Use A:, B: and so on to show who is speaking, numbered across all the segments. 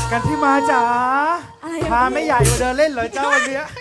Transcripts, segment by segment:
A: กันที่มาจ๋า
B: อะไร
A: พาไม่ใหญ่มาเดินเล่นเหรอเจ้าวันเนี้ย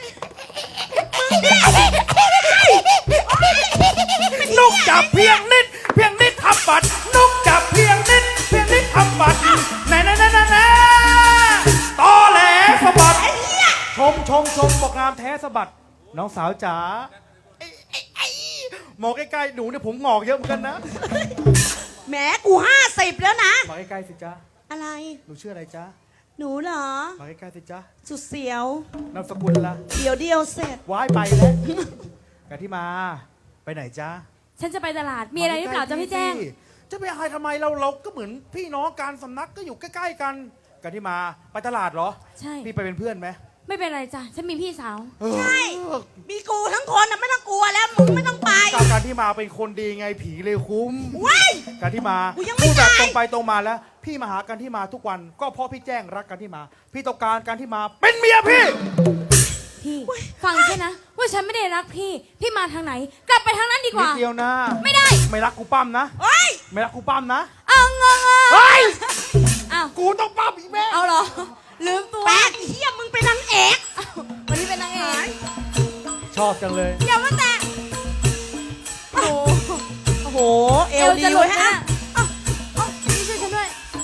A: นุกจับเพียงนิดทำบัตรนุกจับเพียงนิดทำบัตรแน่ตอแหลสะบัดชมบอกงามแท้สะบัดน้องสาวจ๋ามองใกล้ๆหนูเนี่ยผมงอกเยอะเหมือนกันนะ
C: แหมกู50แล้วนะ
A: มาใกล้ๆสิจ๊ะ
C: อะไร
A: หนูชื่ออะไรจ๊ะ
C: หนูเหรอ
A: มาใกล้ๆสิจ๊ะ
C: สุดเสียวน
A: ามสกุลละ
C: เดียวเสร็จ
A: ว้ายไปแล้วกันที่มาไปไหนจ๊ะ
B: ฉันจะไปตลาดมีอะไรหรือเปล่าจ๊ะพี่แจ้ง
A: จะไปอะไรทำไมเราก็เหมือนพี่น้องการสำนักก็อยู่ใกล้ๆกันกันที่มาไปตลาดเหรอ
B: ใช่
A: พี่ไปเป็นเพื่อนไหม
B: ไม่เป็นไรจ้ะฉันมีพี่สาว
C: ใช่ มีกูทั้งคนนะไม่ต้องกลัวแล้วมึงไม่ต้องไป
A: การที่มาเป็นคนดีไงผีเลยคุ้ม
C: ว้าย
A: การที่มา
C: กูยังไม่
A: พูดแบบ
C: ตาย
A: ตรงไปตรงมาแล้ว พี่มาหากันที่มาทุกวันก็เพราะพี่แจ้งรักกันที่มา พี่ต้องการกันที่มาเป็นเมียพี่
B: พี่ฟังแค่นะว่าฉันไม่ได้รักพี่มาทางไหน กลับไปทางนั้นดีก
A: นิด
B: ว่า
A: เดียวนะ
B: ไม่ได้
A: ไม่รักกูปั้มนะ
C: เฮ้ย
A: ไม่รักกูปั้มนะ
B: เอาเงง
A: เฮ้ย
B: อ้าว
A: กูต้องปั้มอีกแม่
B: เอาเหรอลืมตัว
C: แปดเฮียมึงเป็นนางเอก
B: วันนี้เป็นนางเอก
A: ชอบจังเลย
B: อย่ามาแตะ
C: โอ้โห เอ
B: เอ
C: ว
B: ว
C: ดี
B: จะหลุ
C: เว้
B: ด
C: ย
B: นะ
C: ฮะ
B: พี่ช่วยฉันด้วย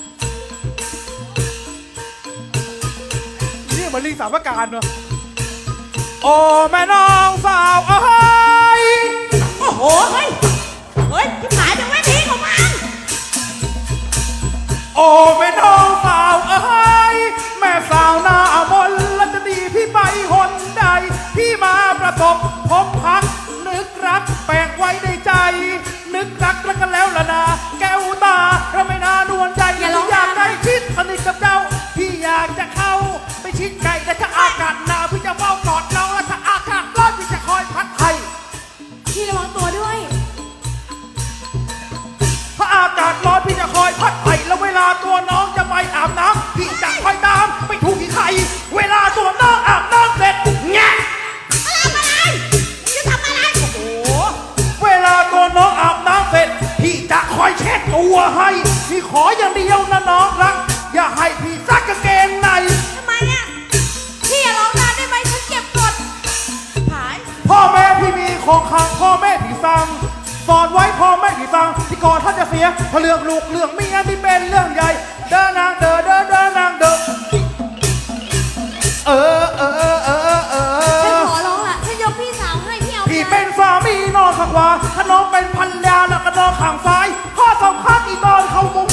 A: นี่เหมือนลิงสามประการเนอะโอ้แม่น้องสาวเอ้ย
C: โอ้โห เฮ้ย เฮ้ยที่ขายเป็นเวทีของมัน
A: โอ้แม่น้องสาวเอ้ยแม่สาวหน้ามนต์แล้วจะดีพี่ไปหนใด พี่มาประสบพบพัก นึกรักแปลกไว้ในใจ นึกรักแล้วกันแล้วล่ะนะแก้วตาเราไม่น่านวลใจ
B: อย่าร้อง
A: อยากได้ชิดสนิทกับเจ้า พี่อยากจะเข้าไปชิดไก่แต่ถ้าอากาศหนาวพี่จะเฝ้ากอดเราและถ้าอากาศร้อนพี่จะคอยพัดให้
B: พี่ระวังตัวด้วย
A: ถ้าอากาศร้อนพี่จะคอยพัดไผ่แล้วเวลาตัวน้องจะไปอาบน้ำพี่จะคอยตามไปถูกที่ไข่เวลาตัวน้องอาบน้ำเสร็จแงะ
C: จะทำอะไร
A: โอ้เวลาตัวน้องอาบน้ำเสร็จพี่จะคอยเช็ดตัวให้พี่ขออย่างเดียวนะน้องรักอย่าให้พี่ซักกางเกงใน
C: ทำไมอ่ะ
B: พี่อย่าร้องนานได้ไหมฉันเก็บกด
C: ขาย
A: พ่อแม่พี่มีของขังพ่อแม่พี่สั่งสอนไว้พ่อแม่พี่สั่งที่ก่อนท่านจะเสียเพราะเรื่องลูกเรื่องเมียที่เป็นเรื่องใหญ่เดินนางเดินนางเดินเออ
B: ฉันขอร้องละฉันยกพี่สาวให้พี่เอา
A: พี่
B: ไป
A: เป็นสามีนอนข้างขวาถ้าน้องเป็นพันยาแล้วก็นอนข้างซ้ายข้อสำคัญอีกตอนเขามุ้ง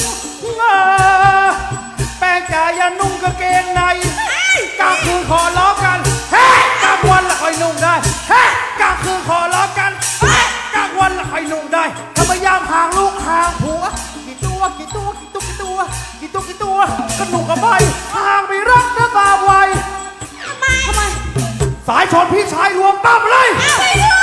A: แป้งจ่าอย่านุ่งกางเกงในกลางคืนขอล้อกันเฮ้กลางวันละค่อยนุ่งได้เฮ้กลางคืนขอล้อกันเฮ้กลางวันละค่อยนุ่งได้ถ้าพยายามห่างลูกห่างผัวกี่ตัวก็หนุ่งกับใบห่างไม่รักนะตาไว
B: ทำไม
A: สายชนพี่ชายรวมตั้มเลย
C: ไปด้วย